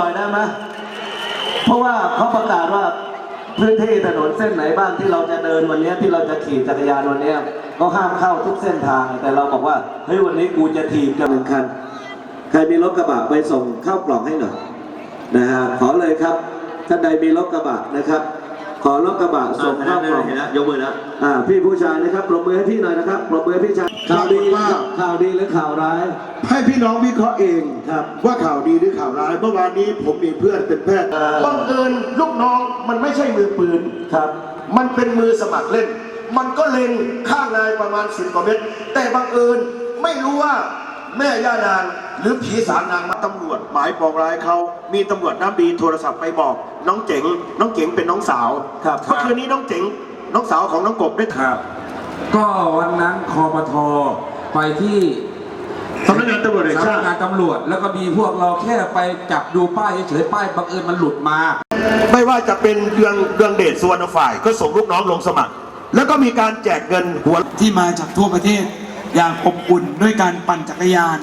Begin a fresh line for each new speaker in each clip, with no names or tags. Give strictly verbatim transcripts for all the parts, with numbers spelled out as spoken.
น่อยได้ไหมเพราะว่าเขาประกาศว่าพื้นที่ถนนเส้นไหนบ้างที่เราจะเดินวันนี้ที่เราจะขี่จักรยานวันนี้ก็ห้ามเข้าทุกเส้นทางแต่เราบอกว่าเฮ้ยวันนี้กูจะถีบกันหนึ่งคันใครมีรถกระบะไปส่งเข้ากล่องให้หน่อยนะฮะขอเลยครับท่านใดมีรถกระบะนะครับขอรถกระบะส่งเข้ากล่องนะยกมือนะอ่าพี่ผู้ชายนะครับปรบมือให้พี่หน่อยนะครับปรบมือให้พี่ชายข่าวดีข่าวดีหรือข่าวร้าย
ให้พี่น้องวิเคราะห์เองครับว่าข่าวดีหรือข่าวร้ายเมื่อวานนี้ผมมีเพื่อนเป็นแพทย์บังเอิญลูกน้องมันไม่ใช่มือปืน
ครับ
มันเป็นมือสมัครเล่นมันก็เล็งข้างนายประมาณสิบกว่าเมตรแต่บังเอิญไม่รู้ว่าแม่ย่านางหรือผีสางนางมาตำรวจหมายปองร้ายเขามีตำรวจน้ำดีโทรศัพท์ไปบอกน้องเจ๋งน้องเจ๋งเป็นน้องสาว
ครับ
เมื่อคืนนี้น้องเจ๋งน้องสาวของน้องกบได้
ครับก็วันนั้นคปทไปที่
สำนักงานตำรวจแห่งชาติ
สำนักงานตำรวจแล้วก็มีพวกเราแค่ไปจับดูป้ายเฉยๆป้ายบังเอิญมันหลุดมา
ไม่ว่าจะเป็นเดืองเดืองเดชสุวรรณฝ่ายก็ส่งลูกน้องลงสมัครแล้วก็มีการแจกเงินหัว
ที่มาจากทั่วประเทศอย่างอบอุ่นด้วยการปั่นจักรยาน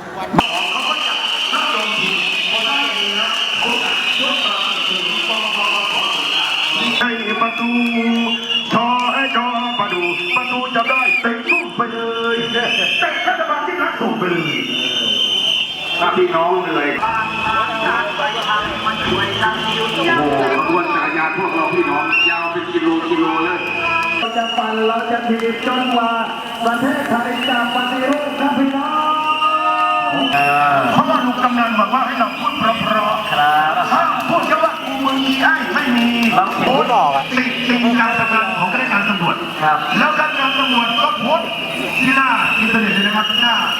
ให้ประตูชอให้จอประดูประตูจะได้เตะตุ้มไปเลยเตะรัฐบาลที่รักส่งไปเลยถ้าพี่น้องเหนื่อยโอ้โหขบวนจักรยานพวกเราพี่น้องยาวเป็นกิโลกิโลเลย
เราจะปั่นเราจะถีบจนกว่าประเทศไทยจะปฏิรูปครับพี่น้อง
เพราะว่าลุงกำนันบอกว่าให้เราพูดเพราะๆครับถ้าพูดแค่ว่ากูมึงอีไอ้ไม่มีโพสต์ติดติดการทำงานของข้าราชการตำรวจแล้วการงานตำรวจก็โพสต์ที่หน้าอินเทอร์เน็ตเลยนะครับหน้า